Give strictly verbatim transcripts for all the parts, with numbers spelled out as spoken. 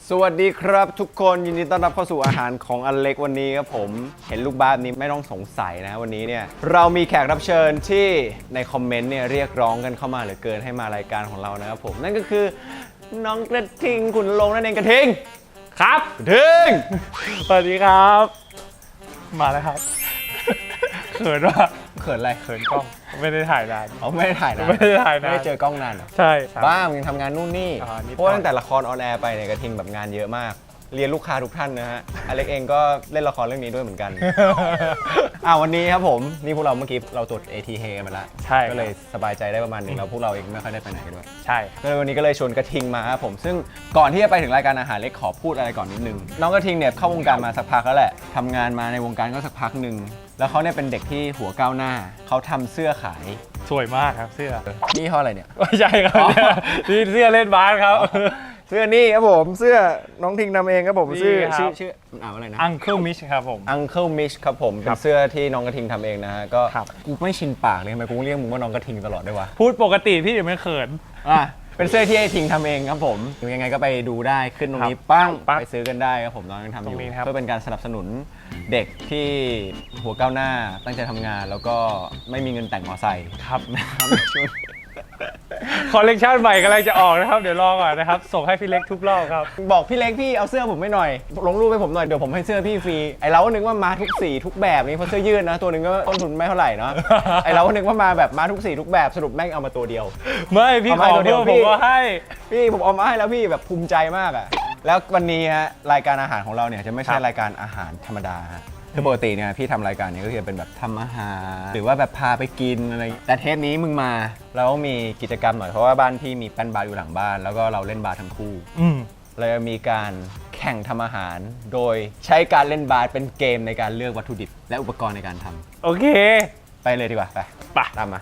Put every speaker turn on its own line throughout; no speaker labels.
สวัสดีครับทุกคนยินดีต้อนรับเข้าสู่อาหารของอเล็กวันนี้ครับผมเห็นลูกบ้านนี้ไม่ต้องสงสัยนะวันนี้เนี่ยเรามีแขกรับเชิญที่ในคอมเมนต์เนี่ยเรียกร้องกันเข้ามาเหลือเกินให้มารายการของเรานะครับผมนั่นก็คือน้องกระทิงขุนลงนั่นเองกระทิงครับกระทิง
สวัสดีครับมาแล้วครับเขินว่า
เขินอะไร
เขินกล้องไม่ได้ถ่ายนาน
เอาไม่ได้ถ่ายนะ
ไม่ได้ถ่ายนาน
ไม่ได้เจอกล้องนานเหรอ
ใช่ครับ
บ้ามึงทำงานนู่นนี่
อ่านิดหน่อย
เพราะว่าตั้งแต่ละครออนแอร์ไปเนี่ยกระทิงแบบงานเยอะมากเรียนลูกค้าทุกท่านนะฮะอเล็กเองก็เล่นละครเรื่องนี้ด้วยเหมือนกัน อ่าวันนี้ครับผมนี่พวกเราเมื่อกี้เราตรวจ เอ ที เอ มาแล้ว
ใช่
ก็เลยสบายใจได้ประมาณหนึงแล้วพวกเราเองไม่ค่อยได้ไปไหนด้วย
ใช่
ก็เลยวันนี้ก็เลยชวนกระทิงมาครับผมซึ่งก่อนที่จะไปถึงรายการอาหารเล็กขอพูดอะไรก่อนนิดนึงน้องกระทิงเนี่ยเข้าวงการมาสักพักแล้วแหละทำงานมาในวงการก็สักพักหนึ่งแล้วเขาเนี่ยเป็นเด็กที่หัวก้าวหน้าเขาทำเสื้อขาย
สวยมากครับเสื้อ
นี่ห้ออะไรเนี่ย
ไม่ใช่ครับ
อ๋อ
นี่เสื้อเล่นบาสครับ
เสื้อนี่ครับผมเสื้อน้องทิงทำเองครับผม
นี่
ชื่อ
ครับ
ชื่อชื่อมันอ่านว่าอะไรนะ
Uncle Mitch ครับผม
Uncle Mitch ครับผม
ค
เป็
รั
น
บ
เสื้อที่น้องกระทิงทำเองนะฮะก็
ครับ
กูไม่ชินปากเลยทำไมกูเรียกมึงว่าน้องกระทิงตลอดด้วยวะ
พูดปกติพี่เดี๋ยวไม่เขิน
อ่ะเป็นเสื้อที่ไอ้ทิงทำเองครับผมยังไงก็ไปดูได้ขึ้นตรงนี้
ครับ
ปั้ง
ปั๊บ
ไปซื้อกันได้ครับผมน้องยังทำอ
ตร
ยู่
งนี้ครับ
เพื่อเป็นการสนับสนุนเด็กที่หัวก้าวหน้าตั้งใจทำงาน แล้วก็ไม่มีเงินแต่งมอไซค์
ครับ
นะครับช่วง
คอลเลกชันใหม่กำลังจะออกนะครับ เดี๋ยวรอก่อนนะครับ ส่งให้พี่เล็กทุกรอบครับ
บอกพี่เล็กพี่เอาเสื้อผมไม่หน่อยลงรูปให้ผมหน่อยเดี๋ยวผมให้เสื้อพี่ฟรีไอเราก็นึกว่ามาทุกสีทุกแบบนี้เพราะเสื้อยืดนะตัวหนึงก็ต้นทุนไม่เท่าไหร่เนาะ ไอเราก็นึกว่ามาแบบมาทุกสีทุกแบบสรุปแม่งเอามาตัวเดียว
ไม่พี่
เอา
ข
มา
อ
ตัวเดี
เดี
ย
ยว วผมก็ให้
พี่ผมเอามาให้แล้วพี่แบบภูมิใจมากอะแล้ววันนี้ฮะรายการอาหารของเราเนี่ยจะไม่ใช่
ครับ
รายการอาหารธรรมดาฮะคือปกติเนี่ยพี่ทำรายการนี้ก็คือเป็นแบบทำอาหารหรือว่าแบบพาไปกินอะไรแต่เทปนี้มึงมาเราก็มีกิจกรรมหน่อยเพราะว่าบ้านพี่มีแป้นบาร์อยู่หลังบ้าน แล้วก็เราเล่นบาร์ทั้งคู่
อืม
เราจะมีการแข่งทำอาหาร โดยใช้การเล่นบาร์เป็นเกมในการเลือกวัตถุดิบและอุปกรณ์ในการทำ
โอเค
ไปเลยดีกว่าไป
ไป
ตามมา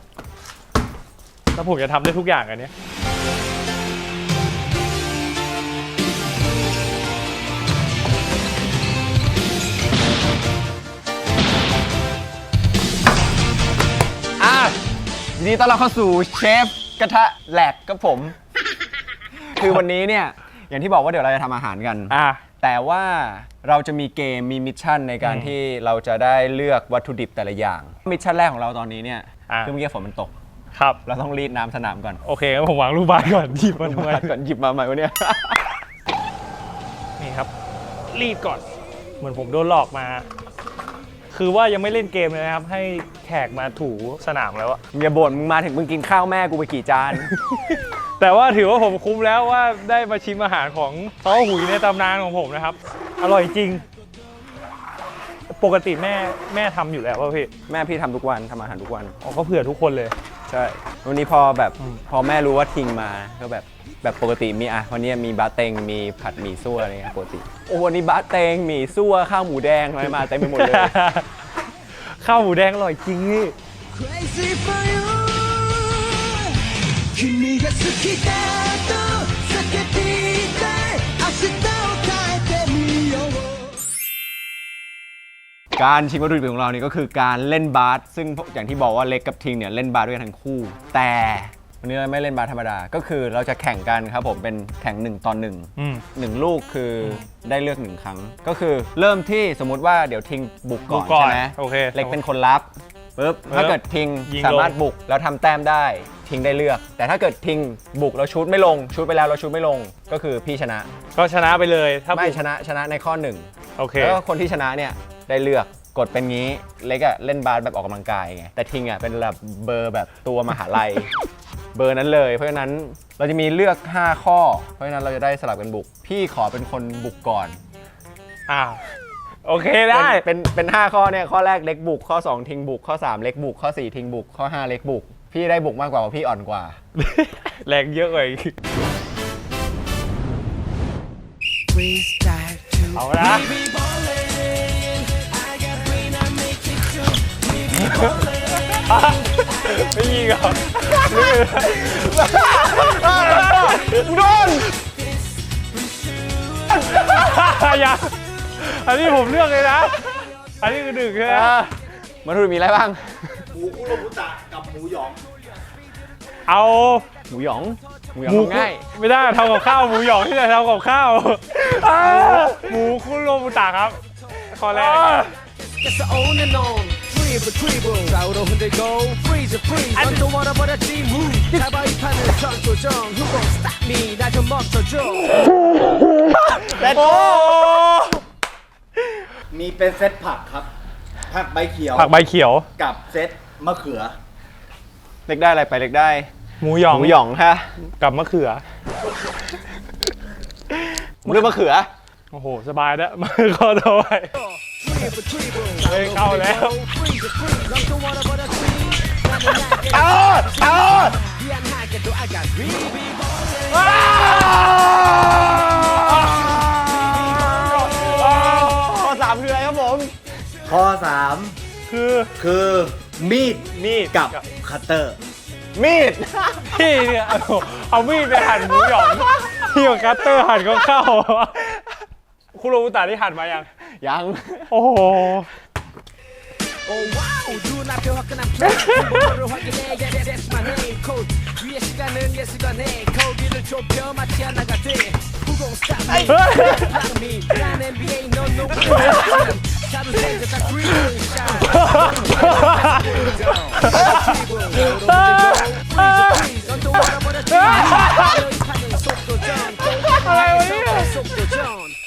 แล้วผมจะทำได้ทุกอย่างอันเนี้ย
อ่ะยินดีต้อนรับเข้าสู่เชฟกระทะแหลกกับผม คือวันนี้เนี่ยอย่างที่บอกว่าเดี๋ยวเราจะทำอาหารกัน
อ่ะ
แต่ว่าเราจะมีเกมมีมิชชั่นในการ
อืม
ที่เราจะได้เลือกวัตถุดิบแต่ละอย่าง มิชชั่นแรกของเราตอนนี้เนี่ย
อ่ะ
คือเมื่อกี้ฝนมันตก
ครับ
เราต้องรีดน้ำสนามก่อน
โอเคงั้นผมวางลูกบาสก่อนหยิบมาทำไม
ก่อนหยิบมาใหม่วะเนี่ย
นี่ครับ รีดก่อน เหมือนผมโดนหลอกมา คือว่ายังไม่เล่นเกมเลยนะครับ ให้แขกมาถูสนามแล้วอะ
อย่าบ่นมึงมาถึงมึงกินข้าวแม่กูไปกี่จาน
แต่ว่าถือว่าผมคุ้มแล้วว่าได้มาชิมอาหารของเต้าหุยในตำนานของผมนะครับ อร่อยจริง ปกติแม่แม่ทำอยู่แล้วป่ะพี่
แม่พี่ทำทุกวันทำอาหารทุกวัน
อ๋อก็เผื่อทุกคนเลย
ใช่ วันนี้พอแบบ
อืม
พอแม่รู้ว่าทิงมาก็แบบแบบปกติมีอ่ะวันนี้มีบะเต็งมีผัดหมี่ซั่วอะไรเงี้ยปกติโอ้วันนี้บะเต็งหมี่ซั่วข้าวหมูแดงอะไรมาเต็มไปหมดเลย
ข้าวหมูแดงอร่อยจริงนี่
Crazy for you 君が好きだと叫びたい明日を変えてみよう
การชิมวัตถุดิบของเรานี่ก็คือการเล่นบาสซึ่งอย่างที่บอกว่าเล็กกับทิงเนี่ยเล่นบาสด้วยกันทั้งคู่ แต่วันนี้เราไม่เล่นบาสธรรมดาก็คือเราจะแข่งกันครับผมเป็นแข่งหนึ่งต่อหนึ่ง
อืม
หนึ่งลูกคือได้เลือกหนึ่งครั้ง ก็คือเริ่มที่สมมุติว่าเดี๋ยวทิงบุกก่อน
บุกก่อน
ใช่ไหม
โอเค
เล็กเป็นคนรับปุ๊บ
ปุ๊บ
ถ้าเกิดทิง
ยิงลง
สามารถบุกแล้วทำแต้มได้ทิงได้เลือก แต่ถ้าเกิดทิงบุกแล้วชูตไม่ลงชูตไปแล้วเราชูตไม่ลงก็คือพี่ชนะ
ก็ชนะไปเลยถ้า
ไม่
บุก
ชนะชนะในข้อหนึ่ง
โอเค
แล้วก็คนที่ชนะเนี่ยได้เลือกกดเป็นงี้เล็กอะเล่นบาสแบบออกกำลังกายไงแต่ทิงอะเป็นแบบเบอร์แบบตัวมหาลัย เบอร์นั้นเลยเพราะฉะนั้นเราจะมีเลือกห้าข้อ เพราะฉะนั้นเราจะได้สลับกันบุก พี่ขอเป็นคนบุกก่อน
อ่าโอเคได้
เป็นเป็นเป็นห้าข้อเนี่ยข้อแรกเล็กบุกข้อสองทิงบุกข้อสามเล็กบุกข้อสี่ทิงบุกข้อห้าเล็กบุกพี่ได้บุกมากกว่าเพราะพี่อ่อนกว่า
แรงเยอะกว่าอีก
Freestyle to
เอาละ
be ballin' I got brain I make it true We be ballin'
ไม่ยิงเหรอ
โดน
อย่าอันนี้ผมเลือกเลยนะ อันนี้คือหนึ่งใช่ไหม
มาดูมีอะไรบ้าง
หมูคุโรบุตะกับหมูหยอง
เอเอา
หมูหยองหมูหยอง
หมู
ทำง่าย
ไม่ได้ทำกับข้าวหมูหยองที่ไหนทำกับข้าวอ่าหมูคุโรบุตะครับข้อแรก
It's the on and on Dribble dribble 좌우로 흔들고 Freeze freeze 언더워터 버렸지 move 가바위 판을 전조정 Who gon' stop me 날 좀 멈춰줘
โอ้
มีเป็นเซตผักครับ ผักใบเขียว
ผักใบเขียว
กับเซตมะเขือ
เล็กได้อะไรไปเล็กได้
หมูหยอง
หมูหยองฮะ
กับมะเขือ
เรื่องมะเขือ
โอ้โห สบายแล้วมาข้อต่อไป
Dribble dribble
เฮ้ยเข้าแล้ว
Freeze freeze 언더워터 버렸지 나는 날개
เอาเอา
미안하게도 I got really
ข้อสามคืออะไรครับผม
ข้อสาม
คือ
คือมีด
มีด
กับคัตเตอร์
มีด
พี่เนี่ยเอาเอามีดไปหั่นหมูหยองพี่กับคัตเตอร์หั่นก็เข้าคุโรบุตะที่หั่นมายัง
ยัง
โอ้โห
Oh wow 눈앞에 화끈한 플레이 번호를 확인해 Yeah yeah that's my name code 위의 시간은 예술가네 거기를 좁혀 마치 하나가 돼 Who gon' stop me Block me 난 엔비에이 넌 no 자루 생겼다 green shine 언더워터 버렸지 너희 판은 속도전 속도전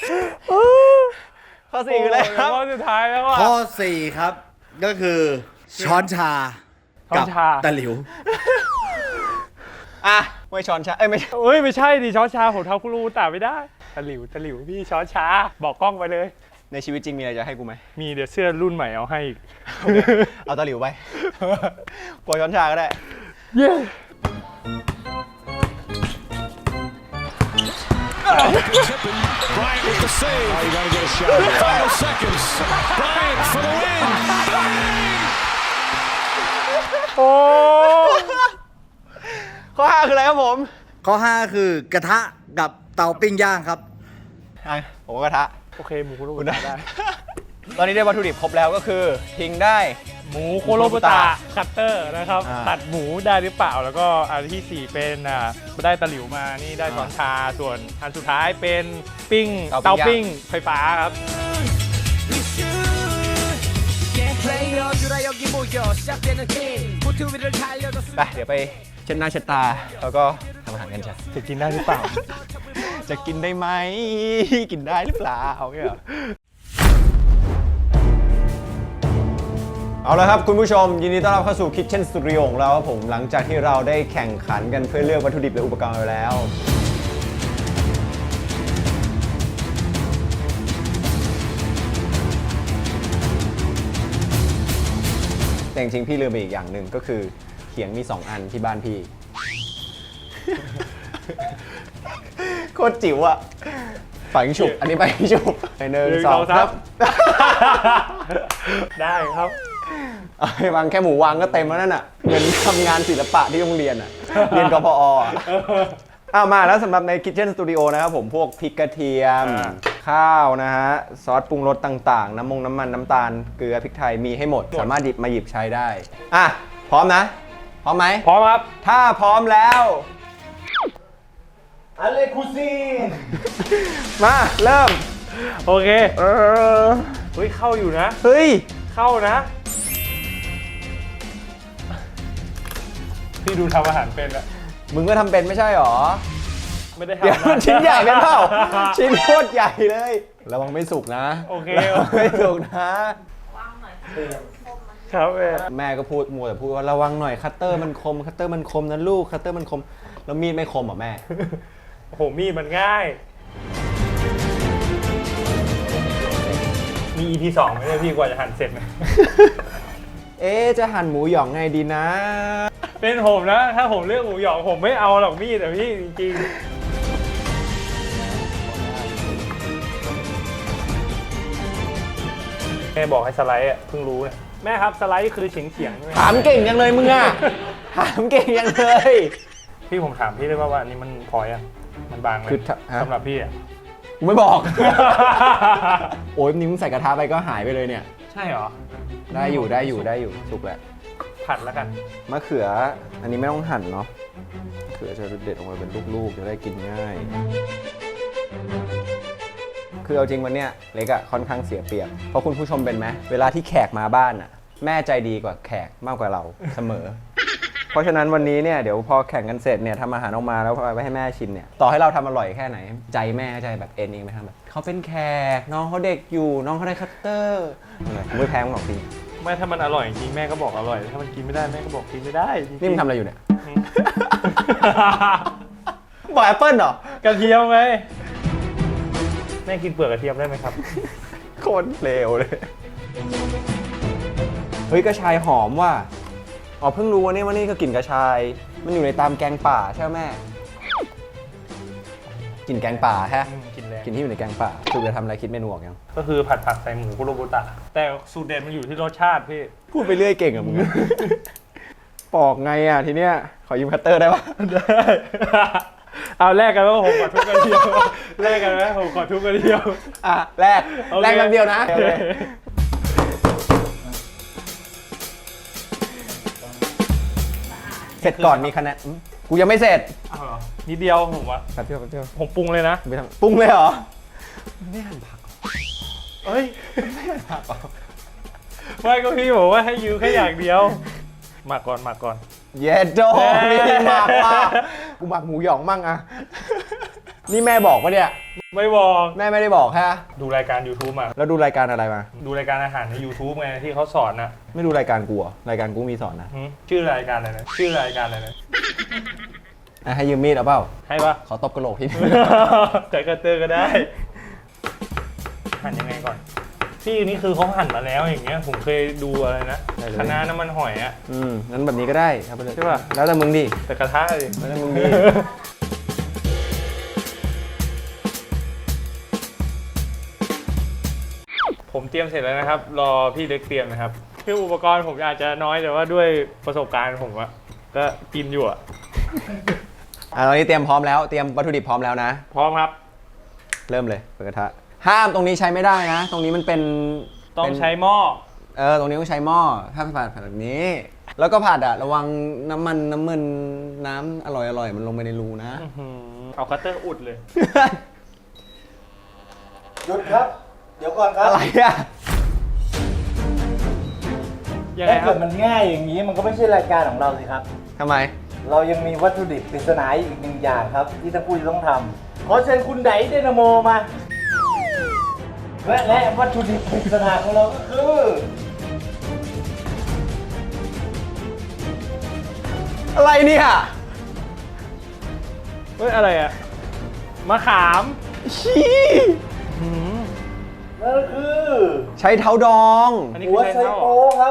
ข้อสี่คืออะไรครับ
ข้อสุดท้ายแล้วอ่ะ
ข้อสี่ครับ ก็คือช้อนชา
ช้อ
กัน บ
ชา
ตะหลิว
อ่ะไม่ช้อนชาเอ้ยไม่ใช่
เอ้ยไม่ใช่ดิช้อนชาผมทำคุโรบุตะไม่ได้ตะหลิวตะหลิวพี่ช้อนชาบอกกล้องไปเลย
ในชีวิตจริงมีอะไรจะให้กูไหม
มีเดี๋ยวเสื้อรุ่นใหม่เอาให้อีก
เอาตะหลิวไป กลัวช้อนชาก็ได้
เย้
Bryant with the save. Oh, you gotta get a shot. Final seconds. Bryant for the win.
โอ้
ข้อห้าคืออะไรครับผม
ข้อห้าคือกระทะกับเตาปิ้งย่างครับ
อ่ะผมก็กระทะ
โอเคหมูคุโรบุ
คุณ
ตะ
ได้
ได้
ตอนนี้ได้วัตถุดิบครบแล้วก็คือทิ้งได้
หมูคุโรบุตะคัตเตอร์นะครับ
อ่า
ตัดหมูได้หรือเปล่าแล้วก็อันที่สี่เป็นอ่าได้ตะหลิวมานี่ได้ช้อนชาส่วนอันสุดท้ายเป็นปิ้งเตาปิ้งไฟฟ้าครับ
플레이어들아 여기 모여 시작되는 게임 보트 위를 달려줬어
ไปเดี๋ยวไปเช็ดหน้าเช็ดตา แล้วก็ทำอาหารกันจ้ะ
จะกินได้หรือเปล่า
จะกินได้ไหม กินได้หรือเปล่าเนี่ยเหรอเอาละครับคุณผู้ชม ยินดีต้อนรับเข้าสู่ Kitchen Studio ของเราครับผมหลังจากที่เราได้แข่งขันกันเพื่อเลือกวัตถุดิบและอุปกรณ์ไปแล้ว แต่จริงๆพี่ลืมไปอีกอย่างหนึ่งก็คือเขียงมีสองอันที่บ้านพี่ โคตรจิ๋วอะฝังฉุบ อันนี้ไปฉุบไปหนึ่ง
หนึ่ง
สอง
สอง
ครับ
ได้ครับ
เอาไปวางแค่หมูวางก็เต็มแล้วนั่นอ่ะเหมือนทำงานศิลปะที่โรงเรียนอ่ะ เรียนกพออ่ะเอามาแล้วสำหรับใน Kitchen Studio นะครับผมพวกพริกกระเทียม
อ่า
ข้าวนะฮะ ซอสปรุงรสต่างๆ น้ำมงน้ำมันน้ำตาล เกลือพริกไทยมีให้หมด สามารถหยิบมาหยิบใช้ได้ อ่ะ พร้อมนะ พร้อมไหม
พร้อมครับ
ถ้าพร้อมแล้วอะไรคูซีมาเริ่ม
โอเค
เออ
เฮ้ยเข้าอยู่นะ
เฮ้ย
เข้านะ พี่ดูทำอาหารเป็นอะ
มึงก็ทำเป็นไม่ใช่หรอ
ไม่ได้ทำ
เดี๋ยวมัน
นะ
ชิ้นใหญ่เป็นเปล่า ชิ้นโคตรใหญ่เลย ระวังไม่สุกนะ
โอเค
ระวังไม่สุกนะ
ครับเอ
แม่ก็พูดมัวแต่พูดว่าระวังหน่อยคัตเตอร์มันคมคัตเตอร์มันคมนะลูกคัตเตอร์มันคมแล้วมีดไม่คมเหรอแม่
โอ้โหมีดมันง่าย มี อี พี สองไหมเนี่ยพี่กว่าจะหั่นเสร็จนะ
เอ๊ะจะหั่นหมูหยองไงดีนะ
เป็นผมนะ ถ้าผมเลือกหมูหยองผมไม่เอาหรอกมีดแต่พี่จริงๆแม่บอกให้สไลด์อ่ะเพิ่งรู้เนี่ยแม่ครับสไลด์คือเฉียงเฉียงๆใช่ไหม
ถามเก่งยังเลยมึงอะถามเก่งยังเลย
พี่ผมถามพี่ได้ว่าว่าอันนี้มันพอยังมันบางไหม
คือถ้าฮะ
สำหรับพี่อ่ะ
กูไม่บอก โอ้ยนี่มึงใส่กระทะไปก็หายไปเลยเนี่ย
ใช่เหรอ
ได้อยู่ได้อยู่ได้อยู่สุกแหละ
ผัดแล้วกัน
มะเขืออันนี้ไม่ต้องหั่นเนาะเขือจะเด็ดออกมาเป็นลูกๆจะได้กินง่าย คือเอาจริงวันเนี้ยเล็กอะค่อนข้างเสียเปรียบเพราะคุณผู้ชมเป็นไหมเวลาที่แขกมาบ้านอะแม่ใจดีกว่าแขกมากกว่าเราเสมอ เพราะฉะนั้นวันนี้เนี่ยเดี๋ยวพอแข่งกันเสร็จเนี่ยทำอาหารออกมาแล้วไปให้แม่ชิมเนี่ยต่อให้เราทำอร่อยแค่ไหน ใจแม่ใจแบบเอ็นเองไหมทำแบบเขาเป็นแขกน้องเขาเด็กอยู่น้องเขาได้คัตเตอร์อะไรผมไม่แพ้มึงหรอกจริง
ไม่ถ้ามันอร่อยจริงแม่ก็บอกอร่อยถ้ามันกินไม่ได้แม่ก็บอกกินไม่ได้จริงๆ
นี่มึงทำอะไรอยู่เนี่ย บอกแอปเปิ้ลเหรอก
ระเทียมไงแม่กินเปลือกกระเทียมได้ไหมครับ
โคตรเลวเลยเฮ้ยกระชายหอมว่ะอ๋อเพิ่งรู้ว่านี่ว่านี่ก็กลิ่นกระชายมันอยู่ในตามแกงป่าใช่ไหมแม่กลิ่นแกงป่าฮะ
อืมกินแรง
กลิ่นที่อยู่ในแกงป่าคือจะทำอะไรคิดเมนูออกยัง
ก็คือผัดผักใส่หมูคุโรบุตะ แต่สูตรเด็ดมันอยู่ที่รสชาติพี่
พูดไปเรื่อยเก่งอะมึง ปอกไงอะทีเนี้ยขอยืมคัตเตอร์ได้ปะ
ได้ เอาแลกกันว่าผมขอทุบกระเทียมแลกกันไหมผมขอทุบกระเทียม
อ่ะแรก
โอเค
แรกคำเดียวนะเสร็จก่อนมีคะแนนอืมกูยังไม่เสร็จ
เอาเหรอนิดเดียวผมว่า
แป๊บเดียวแป๊บเดียว
ผมปรุงเลยนะ
ไปทำปรุงเลยเหรอไม่หั่นผัก
เอ้ย
ไม่หั่นผักเหรอ
ไม่ก็พี่บอกว่าให้ยืมแค่อย่างเดียวหมักก่อนหมักก่อน
เย็ดโดมีหมักว่ะกูหมักหมูหยองมั่งอะนี่แม่บอกปะเนี่ย
ไม่บอก
แม่ไม่ได้บอกฮะ
ดูรายการ YouTube มา
แล้วดูรายการอะไรมา
ดูรายการอาหารใน YouTube ไงที่เขาสอนนะ
ไม่ดูรายการกูเหรอรายการกูมีสอนนะ
หืมชื่อรายการอะไรนะชื่อรายการอะไรนะ
อ่ะให้ยืมมีดเอาเปล่า
ให้ปะ
ขอตบกระโหลกทีนึง
ใส่กระเตอร์ก็ได้ หั่นยังไงก่อนพี่นี่คือเขาหั่นมาแล้วอย่างเงี้ยผมเคยดูอะไรนะ
ได้เลย
คะน้าน้ำมันหอยอะ
อืมงั้นแบบนี้ก็ได้ครับไปเลย
ใช่ปะ
แล้วแต่มึงดิ
แต่กระทะเลย
แล้วแต่มึงดิ
ผมเตรียมเสร็จแล้วนะครับ รอพี่เล็กเตรียมนะครับคืออุปกรณ์ผมอาจจะน้อยแต่ว่าด้วยประสบการณ์ผมอะก็กินอยู่อะ
อ่ะตอนนี้เตรียมพร้อมแล้วเตรียมวัตถุดิบพร้อมแล้วนะ
พร้อมครับ
เริ่มเลยเปิดกระทะห้ามตรงนี้ใช้ไม่ได้นะ ตรงนี้มันเป็น
ต้อง
เป็น
ใช้หม้อ
เออตรงนี้ต้องใช้หม้อถ้าผัดผัดแบบนี้ แล้วก็ผัดอะระวังน้ำมันน้ำมันน้ำอร่อยอร่อยมันลงไปในรูนะ
อื้อหือเอาคัตเตอร์อุดเลย
หยุดครับ เดี๋ยวก่อนครับ
อะไรอะ
ยังไง
ถ้า
ครั
เกิ
บ
ดมันง่ายอย่างนี้มันก็ไม่ใช่รายการของเราสิครับ
ทำไม
เรายังมีวัตถุดิบปริศนาอีกหนึ่งอย่างครับ ที่ทั้งคู่จะต้องทำขอเชิญคุณไดเดนาโมมา และและวัตถุดิบปริศนาของเราก็คือ
อะไรเนี่ย
เฮ้ยอะไรอะมะขาม
ชี้
หืม
นั่นก็คือ
ใช้เท้าดอง
อันนี้
หั
คือ
ว
ใช้
ไช
เท้า
โป๊ครับ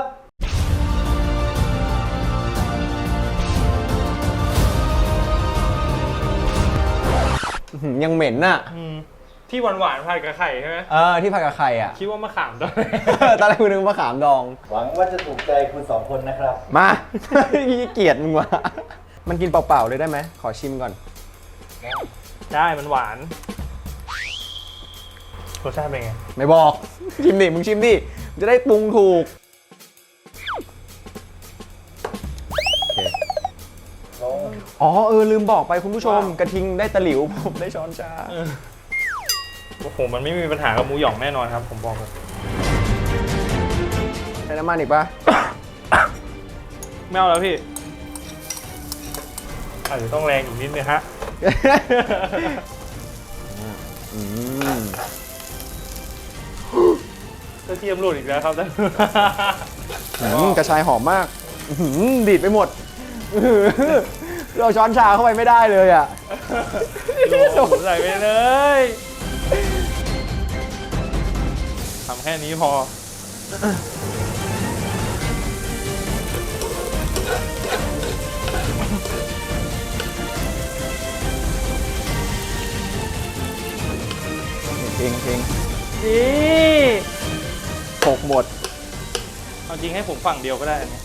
อื้อหือยังเหม็นน่ะ
อืมที่หวานหวานๆผัดกับไข่ใช่ไหม
เออที่ผัดกับไข่อ่ะ
คิดว่ามะขามตอนแรก
ตอนแรกคุณนึกว่าขามดอง
หวังว่าจะถูกใจคุณสองคนนะครับ
มา ขี้เกียจมึงว่ะมันกินเปล่าๆเลยได้ไหมขอชิมก่อน
ได้มันหวานรสชาติเป็นไง
ไม่บอก ชิมดิมึงชิมดิมึงจะได้ปรุงถูกโอเคอ๋อเออลืมบอกไปคุณผู้ชม กระทิงได้ตะหลิว ผมได้ช้อนชา
โอ้โหมันไม่มีปัญหากับหมูหยองแน่นอนครับ ผมบอกเลย
ใช้น้ำมันอีกปะ
ไม่เอาแล้วพี่อาจจะต้องแรงอีกนิดนึงฮะ
อืม
กระเทียมหลุดอีกแล้วครับท่าน
อืมกระชายหอมมากอื้อหือดีดไปหมดอื้อหือเราช้อนชาเข้าไปไม่ได้เลยอ่ะ
โดดใส่ไปเลยทำแค่นี้พอ
จริงจริง
นี่
หกหมด
เอาจริงให้ผมฝั่งเดียวก็ได้อันเนี้ย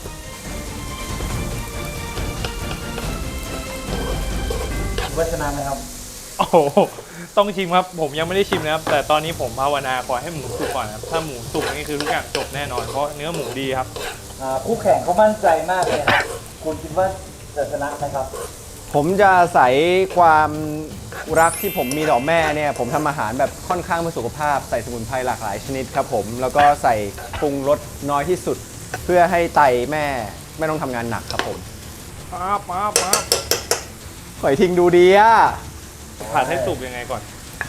วัชนะไหมครับ
โอ้โหต้องชิมครับ ผมยังไม่ได้ชิมนะครับ แต่ตอนนี้ผมภาวนาขอให้หมูสุกก่อนนะครับ ถ้าหมูสุกนี่คือทุกอย่างจบแน่นอน เพราะเนื้อหมูดีครับ
อ่าคู่แข่งเขามั่นใจมากเลยครับ คุณคิดว่าจะชนะไหมครับ
ผมจะอาศัยความรักที่ผมมีต่อแม่เนี่ยผมทำอาหารแบบค่อนข้างเพื่อสุขภาพใส่สมุนไพรหลากหลายชนิดครับผมแล้วก็ใส่ปรุงรสน้อยที่สุด เพื่อให้ไตแม่ไม่ต้องทำงานหนักครับผม
มาบมาบมาบ
หอยทิ้งดูดีอะ
ผัดให้สุกยังไงก่อน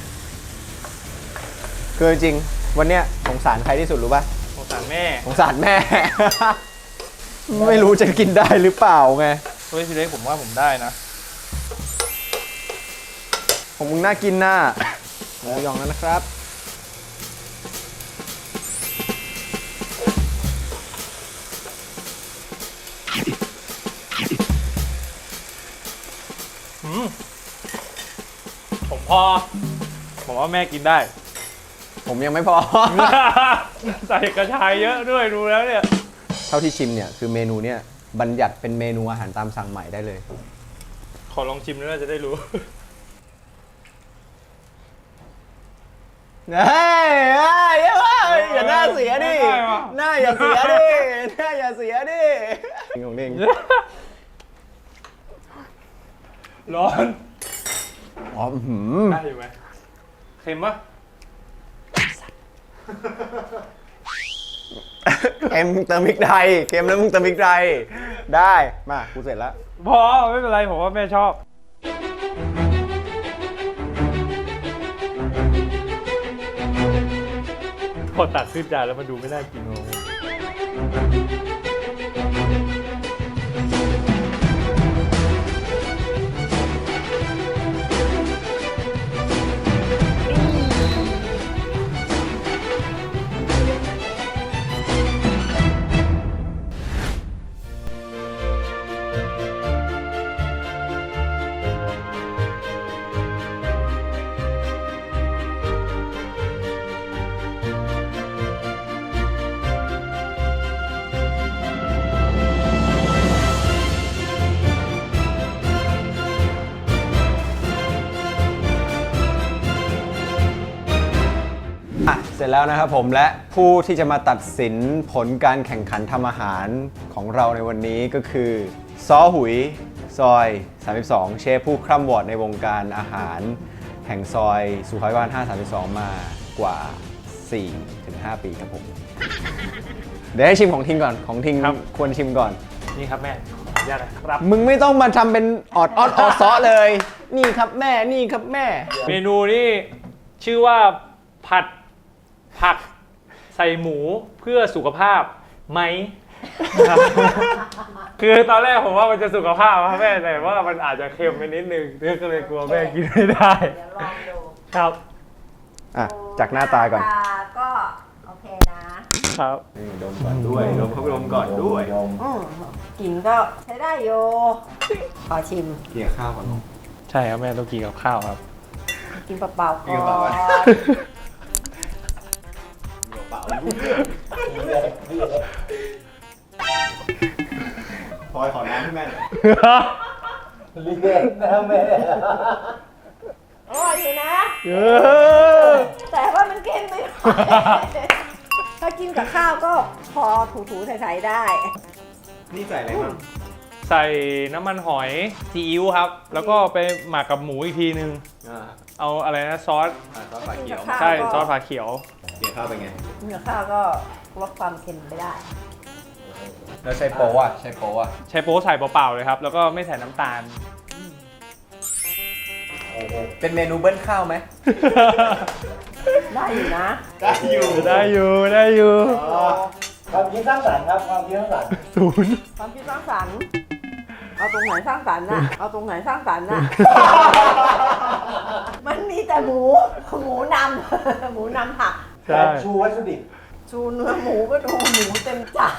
คือจริงๆวันเนี้ยสงสารใครที่สุดรู้ป่ะ
สงสารแม่
สงสารแม่ ไม่รู้จะกินได้หรือเปล่าไง
เฮ้ยพี่เล็กผมว่าผมได้นะ
ผมมึงน่ากินน่ะหมูหยองแล้วนะครับ
อืมผมพอ ผมว่าแม่กินได้
ผมยังไม่พอ
ใส่กระชายเยอะด้วยดูแล้วเนี่ย
เท่าที่ชิมเนี่ยคือเมนูเนี่ยบัญญัติเป็นเมนูอาหารตามสั่งใหม่ได้เลย
ขอลองชิมด้วยจะได้รู้
เฮ้ยเฮ้ยเฮ้ยอย่าหน้าเสียดิ
ไม่ได้ว่ะ
หน้าอย่าเสียดิ หน้าอย่าเสียดิของเด้ง
ร้อน
อ๋ออื้อหืม
ได้อยู่ไหมเค็มปะ
เค็มเติมพริกไทยเค็มแล้วมึงเติมพริกไทยได้ มากูเสร็จแล้ว
พอไม่เป็นไรผมว่าแม่ชอบ พอตักขึ้นจานแล้วมันดูไม่น่ากินเลย
อ่ะเสร็จแล้วนะครับผมและผู้ที่จะมาตัดสินผลการแข่งขันทำอาหารของเราในวันนี้ก็คือซ้อหุยซอยสามสิบสองเชฟผู้คร่ำวอร์ดในวงการอาหารแห่งซอยสุขอยบ้านห้าสามสองมากว่า สี่ถึงห้า ปีครับผม เดี๋ยวให้ชิมของทิงก่อนของทิง
ครับ
ควรชิมก่อน
นี่ครับแม่ขออนุญาตนะครับ
มึงไม่ต้องมาทำเป็นออดออดออดซอเลย นี่ครับแม่นี่ครับแม่
เมนูนี่ชื่อว่าผัดผักใส่หมูเพื่อสุขภาพไหม ครับ คือตอนแรกผมว่ามันจะสุขภาพครับแม่แต่ว่ามันอาจจะเค็มไปนิดนึงเรื่องก็เลยกลัวแม่กินไม่ได้
เดี๋ยวลองดู
ครับ
อ่ะจากหน้าตาก่อน
หน้าตาก็โอเคนะ
ครับ
นี่ดมก่อนด้วยดมพักลมก่อนด้วย
อืมกลิ่นก็ใช้ได้โยขอชิม
เกี่ยข้าวก่อน
ใช่ครับแม่ต้องกินกับข้าวครับ
กินเปล่าๆ
กิ
ก่
น
อ
เปล่าๆ
น
เปล่าพลอยขอน้ำให้แม่หน่อย
รีเด็กนะแม่
อร่อยอยู่นะ
เออ
แต่ว่ามันเค็มไปหน่อยถ้ากินกับข้าวก็พอถูๆใส่ๆได้
นี่ใส่อะไรบ้าง
ใส่น้ำมันหอยซีอิ๊วครับ แล้วก็ไปหมักกับหมูอีกทีนึง
อ่า
เอาอะไรนะซอส
อ่าซอสฝาเขียว
ข้าว
ใช่
ก็
ซอสผาเขียว
เกี่ยข้าวเป็นไง
กินกับข้าวก็ลดความเค็มไปได้
แล้วใช้โป๊ะอ่ะใช้โป๊ะอ่ะ
ใช้โป๊ใส่เปล่าๆเลยครับ แล้วก็ไม่ใส่น้ำตาล
เป็นเมนูเบิ้ลข้าวไหม
ได้อยู่นะ
ได้อยู่
ได้อยู่ได้อยู่
ความคิดสร้างสรรค์ครับความคิดสร้างสรรค์
ศูนย์
ความคิดสร้างสรรค์เอาตรงไหนสร้างสรรค์น่ะ เอาตรงไหนสร้างสรรค์น่ะ มันมีแต่หมู หมูนำ หมูนำผัก
ใช่
ชูวัตถุดิบ
ชูเนื้อหมูก็ดูหมูเต็มจาน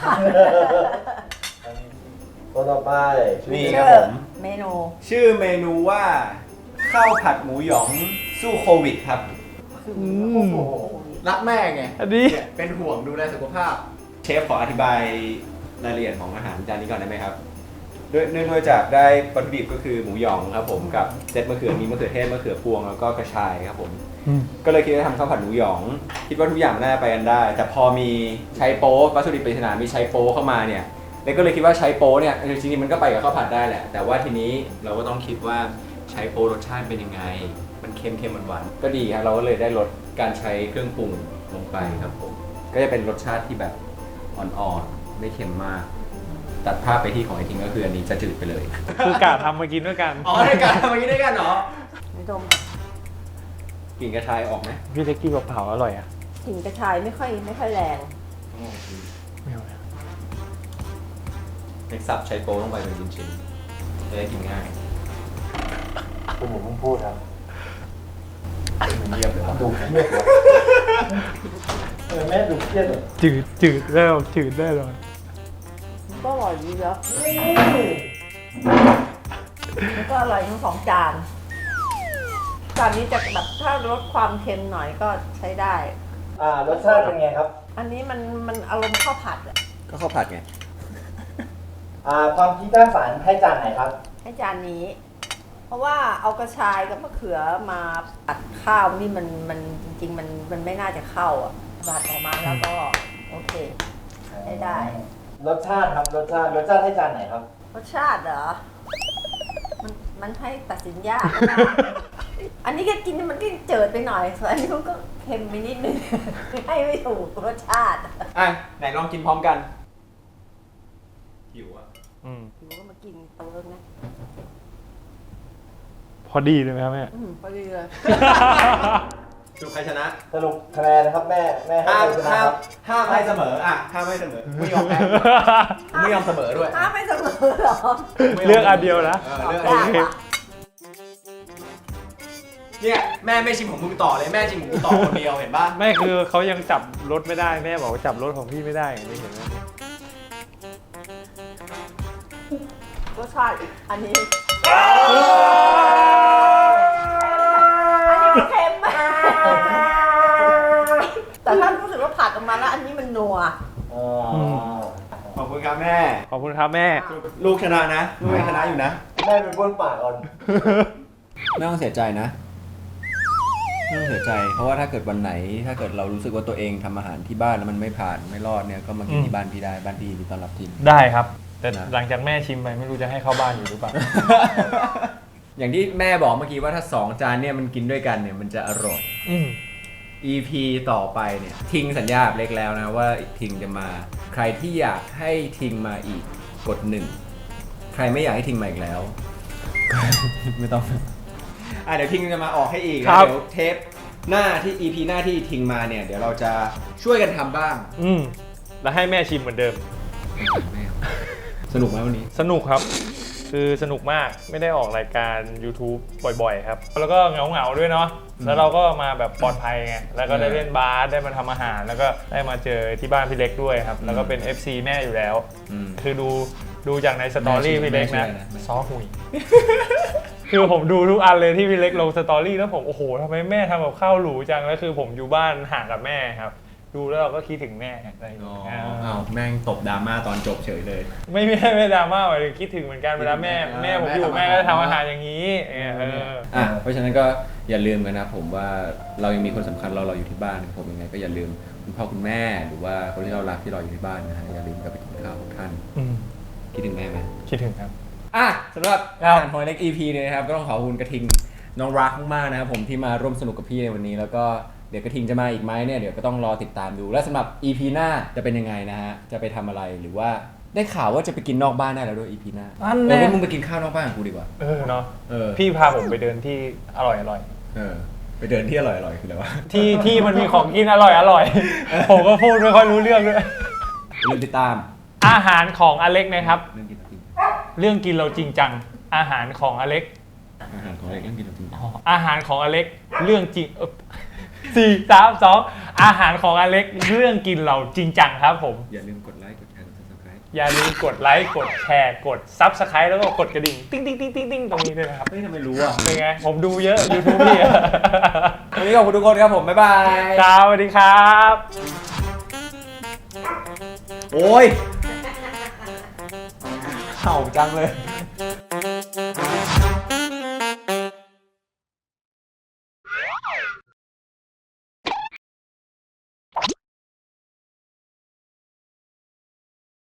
ตัวต่อไป
นี่ค
ชื่
รับ
อ
ผม
เมนู
ชื่อเมนูว่าข้าวผัดหมูหยองสู้โควิดครับ
โอ้โห
รักแม่ไง
อันนี้
เนี่ยเป็นห่วงดูแลสุขภาพ เชฟขออธิบายรายละเอียดของอาหารจานนี้ก่อนได้ไหมครับด้วยเนื่องด้วยจากได้วัตถุดิบก็คือหมูหยองครับผมกับเซตมะเขือมีมะเขือเทศมะเขือพวงแล้วก็กระชายครับผม ก็เลยคิดจะทำข้าวผัดหมูหยอง คิดว่าทุกอย่างน่าจะไปกันได้ แต่พอมีใช้โป๊วัตถุดิบปริศนามีใช้โป๊เข้ามาเนี่ยเล็กก็เลยคิดว่าใช้โป๊เนี่ยจริงๆมันก็ไปกับข้าวผัดได้แหละแต่ว่าทีนี้เราก็ต้องคิดว่าใช้โป๊รสชาติเป็นยังไงมันเค็มเค็มหวานๆก็ดีครับเราก็เลยได้ลดการใช้เครื่องปรุงลงไปครับผมก็จะเป็นรสชาติที่แบบอ่อนๆไม่เค็มมากตัดภาพไปที่ของไอทิงก็คืออันนี้จะจืดไปเลย
คือกะทำมากินด้วยกัน
อ๋อในการทำอย่างนี้ด้วยกันเหรอ
ไม่ดม
กลิ่นกระชายออกไหม
พี่เล็กกี้เผาๆอร่อยอ่ะ
กลิ่นกระชายไม่ค่อยไม่ค่อยแรง
ไม่เอาเลย
เล็กสับใช้โป๊ลงไปเป็นชิ้นๆจะได้กินง่าย
คุณหมูเพิ่งพูดครับ
มันเยี่ยมเลยว่ะ
ดูเครียดเลยเออแม่ดูเครียดเลย
จืดจืดแล้วจืดได้เลย
มันก็อร่อยดีแล้วมันก็อร่อยทั้งสองจานจานนี้จะแบบถ้าลดความเค็มหน่อยก็ใช้ได้
อ่ารสชาติเป็นไงครับ
อันนี้มันมันอารมณ์ข้าวผัดอะ
ก็ข้าวผัดไง
อ่าความคิดสร้างสรรค์ให้จานไหนครับ
ให้จานนี้ เพราะว่าเอากระชายกับมะเขือมาผัดข้าวนี่มันมันจริงๆมันมันไม่น่าจะเข้าอ่ะผัดออกมาแล้วก็โอเคได้ได้
รสชาติครับรสชาติรสชาติให้จานไหนครับ
รสชาติเหรอ มันมันให้ตัดสินยาก อันนี้ก็กินมันก็เจิดไปหน่อยส่วนอันนี้มันก็เค็มไปนิดนึง ให้ไม่ถูกรสชาติ
อ่ะไหนลองกินพร้อมกันหิวอ่ะ
อืม
ถือว่ามากินเติมนะ
พอดีเลยไหมครับแม่
อืมพอดีเลย
สรุปใครชนะ
สรุปคะแนนนะครับแม่แม่ให้
ห้าม
ใครชนะ
ห้า
ค
ม
รับ
ห้ามให้เสมออ่ะห้ามให้เสมอไม่ยอมแพ้ไม่ยอมเสมอด้วย
อ้าวไม่เสมอเหรอ
เลือกอันเดียวนะ
เออเลือก
ยากว่ะ
เนี่ยแม่ไม่ชิมของมึงต่อเลยแม่ชิมของกูต่อคนเดียวเห็นป่ะ
ไม่คือเขายังจับรถไม่ได้แม่บอกว่าจับรถของพี่ไม่ได้อย่างนี้เห็นไหม
รสชาติอันนี้ อันนี้มันเค็มมากแต่ถ้ารู้สึกว่าผัดออกมาแล้วอันนี้มันนัว
อ๋อ
ขอบคุณครับแม่
ขอบคุณครับแม่
ลูกชนะนะลูกยังชนะอยู่นะ
แม่เป็นบ้วนปากก่อน
ไม่ต้องเสียใจนะไม่ต้องเสียใจ เพราะว่าถ้าเกิดวันไหน ถ้าเกิดเรารู้สึกว่าตัวเองทำอาหารที่บ้านแล้วมันไม่ผ่านไม่รอดเนี่ยก็มากิน
อืม
ที่บ้านพี่ได้บ้านพี่ยินดีต้อนรับทีม
ได้ครับ แต่
นะ
หลังจากแม่ชิมไปไม่รู้จะให้เข้าบ้านอยู่หรือเปล่า
อย่างที่แม่บอกเมื่อกี้ว่าถ้าสองจานเนี่ยมันกินด้วยกันเนี่ยมันจะอร่อย
อืม
อี พี ต่อไปเนี่ยทิงสัญญากับเล็กแล้วนะว่าทิงจะมา ใครที่อยากให้ทิงมาอีกกดหนึ่งใครไม่อยากให้ทิงมาอีกแล้ว ไม่ต้องอ่ะเดี๋ยวทิงจะมาออกให้อีก
ครั
นะ
บ
เดี๋ยวเทปหน้าที่ อี พี หน้าที่ทิงมาเนี่ยเดี๋ยวเราจะช่วยกันทำบ้าง
อืมแล้วให้แม่ชิมเหมือนเดิม
สนุกไหมวันนี้
สนุกครับ คือสนุกมากไม่ได้ออกรายการ YouTube บ่อยๆครับ แล้วก็เหงาๆด้วยเนาะแล้วเราก็มาแบบปลอดภัยไงแล้วก็ได้เล่นบาสได้มาทำอาหาร แล้วก็ได้มาเจอที่บ้านพี่เล็กด้วยครับ แล้วก็เป็น เอฟ ซี แม่อยู่แล้ว
อืม
คือดูดูจากในสตอรี่
แม่ชื่อ
พี่เล็กนะ
แม่ชื่ออะไรนะ
ซอหุย คือผมดูทุกอันเลยที่พี่เล็กลงสตอรี่แล้วผมโอ้โหทำไมแม่ทำกับข้าวหรูจังแล้วคือผมอยู่บ้านห่างกับแม่ครับ ดูแล้วเราก็คิดถึงแม่อะไรอย่าง
อ๋อ
เงี้ย
อ้าวแม่งตบดราม่าตอนจบเฉยเลย
ไม่ไม่ไม่ดราม่าหมายถึงคิดถึงเหมือนกันเวลาแม่
อ่า
แม่ผม
แม่
อยู่
ทำ
แม่ก็จะ
อาหาร
ทำอาหารอย่างนี้เออเออ
อ่ะเพราะฉะนั้นก็อย่าลืมกันนะผมว่าเรายังมีคนสำคัญเราเราอยู่ที่บ้านผมยังไงก็อย่าลืมคุณพ่อคุณแม่หรือว่าคนที่เรารักที่เราอยู่ที่บ้านนะฮะอย่าลืมกลับไปกินข้าวของท่าน
อืม
คิดถึงแม่ไหม
คิดถึงครับ
อ่ะสำหรับอาหารหอยเล็ก อี พี เนี่ยนะครับก็ต้องขอบคุณกระทิงน้องรักมากๆนะครับผมที่มาร่วมสนุกกับพี่ในวันนี้แล้วก็เดี๋ยวกระทิงจะมาอีกไหมเนี่ยเดี๋ยวก็ต้องรอติดตามดูและสำหรับ อี พี หน้าจะเป็นยังไงนะฮะจะไปทำอะไรหรือว่าได้ข่าวว่าจะไปกินนอกบ้านได้แล้วด้วย อี พี หน้า
อัน
เอ
แน่
อว่ามึงไปกินข้าวนอกบ้านกับกูดีกว่า
เออเนาะ
เออ
พี่พาผมไปเดินที่อร่อยอร่อย
เออไปเดินที่อร่อยๆคืออะไรวะ
ที่ที่มันมีของกินอร่อยอร่อยผมก็พูดไม่ค่อยรู้เรื่องด้วย
อย่าลืมติดตาม
อาหารของอเล็กนะครับ
เรื่องกินเราจริง
เรื่องกินเราจริงจังอาหารของอเล็ก
อาหารของเล็กเรื่องกินเราจริง
อาหารของอเล็กเรื่องจริงเออสี่สามสองอาหารของอเล็กเรื่องกินเราจริงจังครับผม
อย่าลืมกดไลค์กดแชร์กด ซับสไครบ์
อย่าลืมกดไลค์กดแชร์กด ซับสไคร b ์แล้วก็กดกระดิ่งติ๊งติ๊งติ๊งติ๊งติ๊งตรงนี้ด้วยนะครับ
เฮ้ยทำไมรู้อ่ะ
เป็นไง ผมดูเยอะ YouTube พี่อะ
วันนี้ขอบคุณทุกคนครับผม บ๊ายบาย
ครับสวัสดีครับ
โอ้ยเห่าจังเลย
อ